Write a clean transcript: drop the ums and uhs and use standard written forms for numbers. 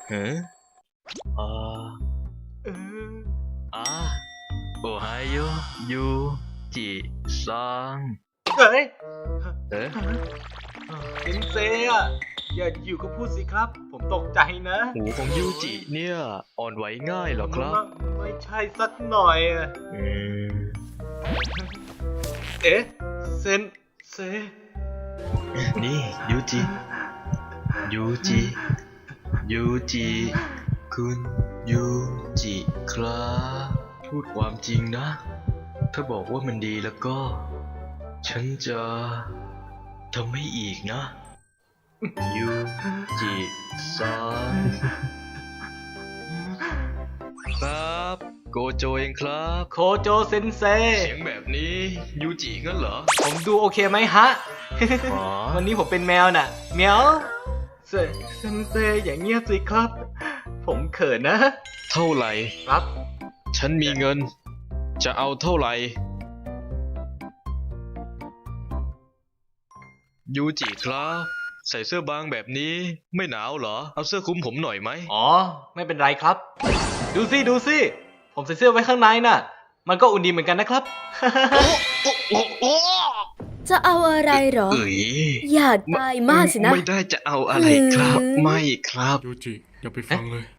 ฮะอ่าเอออ่าโอไฮโอยูจิซังเฮ้ยเอ๊ะเซนเซอะอย่าอยู่ก็พูดสิครับ ผมตกใจนะหูของยูจิเนี่ยอ่อนไหวง่ายเหรอครับไม่ใช่สักหน่อยอะอืมเอ๊ะเซนเซนี่ยูจิยูจิยูจิคุณยูจิครับพูดความจริงนะ ถ้าบอกว่ามันดีแล้วก็ ฉันจะทำให้อีกนะยูจิซังครับโกโจเองครับโคโจเซนเซเสียงแบบนี้ยูจิงั้นเหรอผมดูโอเคไหมฮะอ๋อวันนี้ผมเป็นแมวน่ะแมวเซนเซอย่างเงียบสิครับ ผมเขินนะเท่าไหร่ครับฉันมีเงิน จะเอาเท่าไหร่ยูจิครับ ใส่เสื้อบางแบบนี้ไม่หนาวเหรอ เอาเสื้อคลุมผมหน่อยไหมอ๋อ ไม่เป็นไรครับ ดูสิ ดูสิ ผมใส่เสื้อไว้ข้างในน่ะ มันก็อุ่นดีเหมือนกันนะครับจะเอาอะไรเหรอเอ๋ยอย่าตายมากสินะไม่ได้จะเอาอะไรครับอืมไม่ครับยูจิอย่าไปฟังเลย